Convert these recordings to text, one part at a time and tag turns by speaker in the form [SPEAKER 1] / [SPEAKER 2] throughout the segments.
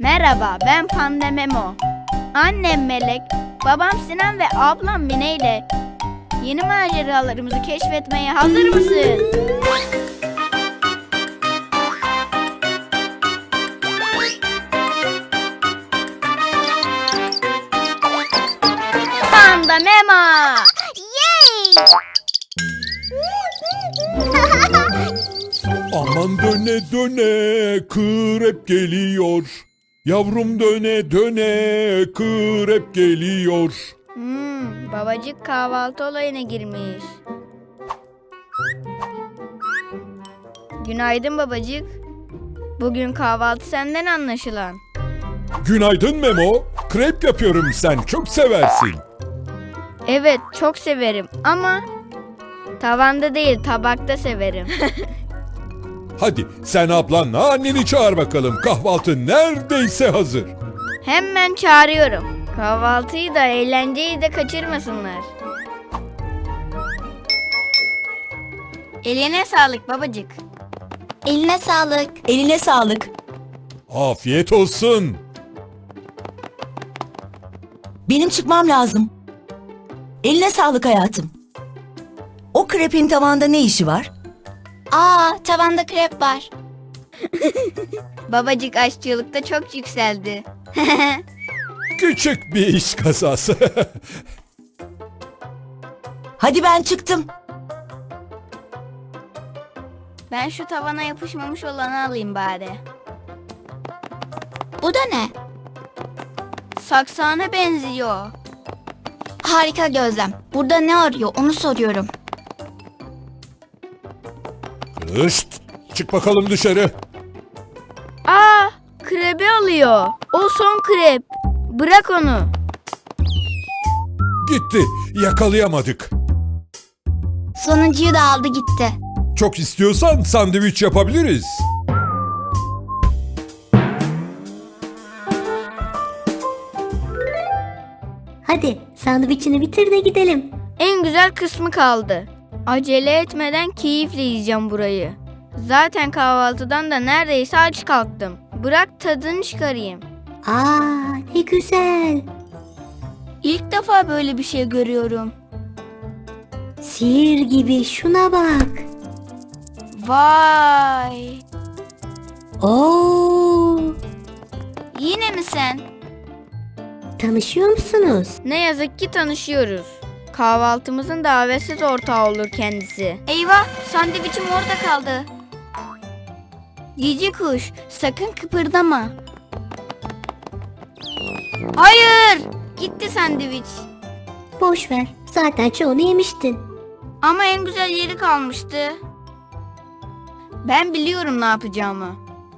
[SPEAKER 1] Merhaba, ben Panda Memo. Annem Melek, babam Sinan ve ablam Mine ile yeni maceralarımızı keşfetmeye hazır mısın? Panda Memo!
[SPEAKER 2] Yay!
[SPEAKER 3] Aman döne döne krep geliyor. Yavrum döne döne krep geliyor.
[SPEAKER 1] Babacık kahvaltı olayına girmiş. Günaydın babacık. Bugün kahvaltı senden anlaşılan.
[SPEAKER 3] Günaydın Memo. Krep yapıyorum, sen çok seversin.
[SPEAKER 1] Evet, çok severim ama tavanda değil, tabakta severim.
[SPEAKER 3] Hadi sen ablanla anneni çağır bakalım. Kahvaltı neredeyse hazır.
[SPEAKER 1] Hemen çağırıyorum. Kahvaltıyı da eğlenceyi de kaçırmasınlar. Eline sağlık babacık.
[SPEAKER 2] Eline sağlık.
[SPEAKER 4] Eline sağlık.
[SPEAKER 3] Afiyet olsun.
[SPEAKER 4] Benim çıkmam lazım. Eline sağlık hayatım. O krepin tavanda ne işi var?
[SPEAKER 2] Tavanda krep var.
[SPEAKER 1] Babacık aşçılıkta çok yükseldi.
[SPEAKER 3] Küçük bir iş kazası.
[SPEAKER 4] Hadi ben çıktım.
[SPEAKER 1] Ben şu tavana yapışmamış olanı alayım bari.
[SPEAKER 2] Bu da ne?
[SPEAKER 1] Saksağına benziyor.
[SPEAKER 2] Harika Gözlem. Burada ne arıyor onu soruyorum.
[SPEAKER 3] Kışt, çık bakalım dışarı.
[SPEAKER 1] Krebi alıyor. O son krep. Bırak onu.
[SPEAKER 3] Gitti, yakalayamadık.
[SPEAKER 2] Sonuncuyu da aldı gitti.
[SPEAKER 3] Çok istiyorsan sandviç yapabiliriz.
[SPEAKER 5] Hadi sandviçini bitir de gidelim.
[SPEAKER 1] En güzel kısmı kaldı. Acele etmeden keyifle yiyeceğim burayı. Zaten kahvaltıdan da neredeyse aç kalktım. Bırak tadını çıkarayım.
[SPEAKER 5] Ne güzel.
[SPEAKER 1] İlk defa böyle bir şey görüyorum.
[SPEAKER 5] Sihir gibi, şuna bak.
[SPEAKER 1] Vay!
[SPEAKER 5] Oo,
[SPEAKER 1] Yine mi sen?
[SPEAKER 5] tanışıyor musunuz?
[SPEAKER 1] Ne yazık ki tanışıyoruz. Kahvaltımızın davetsiz ortağı olur kendisi. Eyvah! Sandviçim orada kaldı. Cici kuş, sakın kıpırdama. Hayır! Gitti sandviç.
[SPEAKER 5] Boş ver. Zaten çoğunu yemiştin.
[SPEAKER 1] Ama en güzel yeri kalmıştı. Ben biliyorum ne yapacağımı.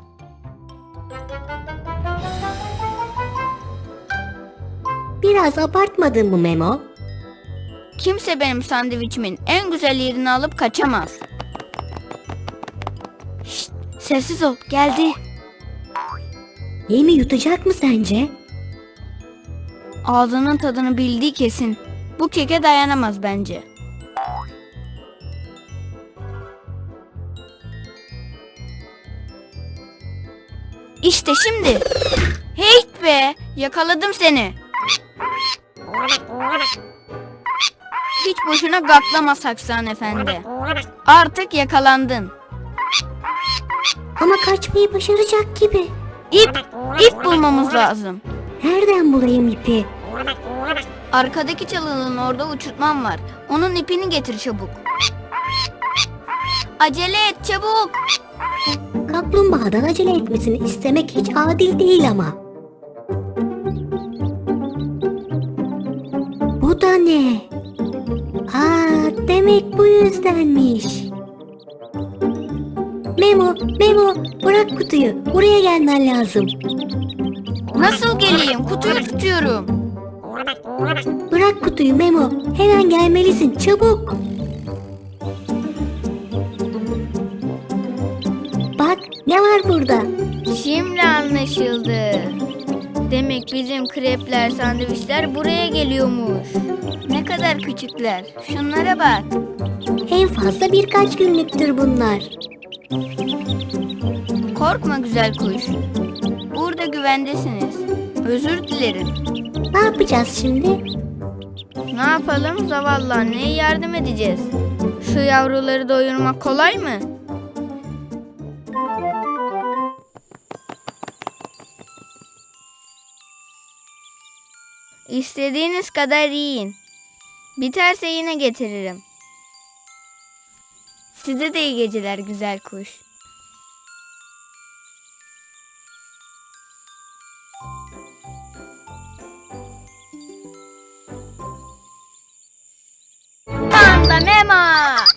[SPEAKER 5] Biraz abartmadın mı Memo?
[SPEAKER 1] Kimse benim sandviçimin en güzel yerini alıp kaçamaz. Şşt, sessiz ol, geldi.
[SPEAKER 5] Yemi yutacak mı sence?
[SPEAKER 1] Ağzının tadını bildiği kesin. Bu keke dayanamaz bence. İşte şimdi. Heyt be, yakaladım seni. Hiç boşuna gaklama Saksan Efendi. Artık yakalandın.
[SPEAKER 5] Ama kaçmayı başaracak gibi.
[SPEAKER 1] İp bulmamız lazım.
[SPEAKER 5] Nereden bulayım ipi?
[SPEAKER 1] Arkadaki çalının orada uçurtmam var. Onun ipini getir çabuk. Acele et çabuk.
[SPEAKER 5] Kaplumbağadan acele etmesini istemek hiç adil değil ama. Bu da ne? Demek bu yüzdenmiş. Memo, bırak kutuyu. Buraya gelmen lazım.
[SPEAKER 1] Nasıl geleyim? Kutuyu tutuyorum.
[SPEAKER 5] Bırak kutuyu Memo. Hemen gelmelisin. Çabuk. Bak ne var burada?
[SPEAKER 1] Şimdi anlaşıldı. Demek bizim krepler, sandviçler buraya geliyormuş. Ne kadar küçükler. Şunlara bak.
[SPEAKER 5] En fazla birkaç günlüktür bunlar.
[SPEAKER 1] Korkma güzel kuş. Burada güvendesiniz. Özür dilerim.
[SPEAKER 5] Ne yapacağız şimdi?
[SPEAKER 1] Ne yapalım? Zavallı anneye yardım edeceğiz. Şu yavruları doyurmak kolay mı? İstediğiniz kadar yiyin. Biterse yine getiririm. Size de iyi geceler güzel kuş. Panda Mema!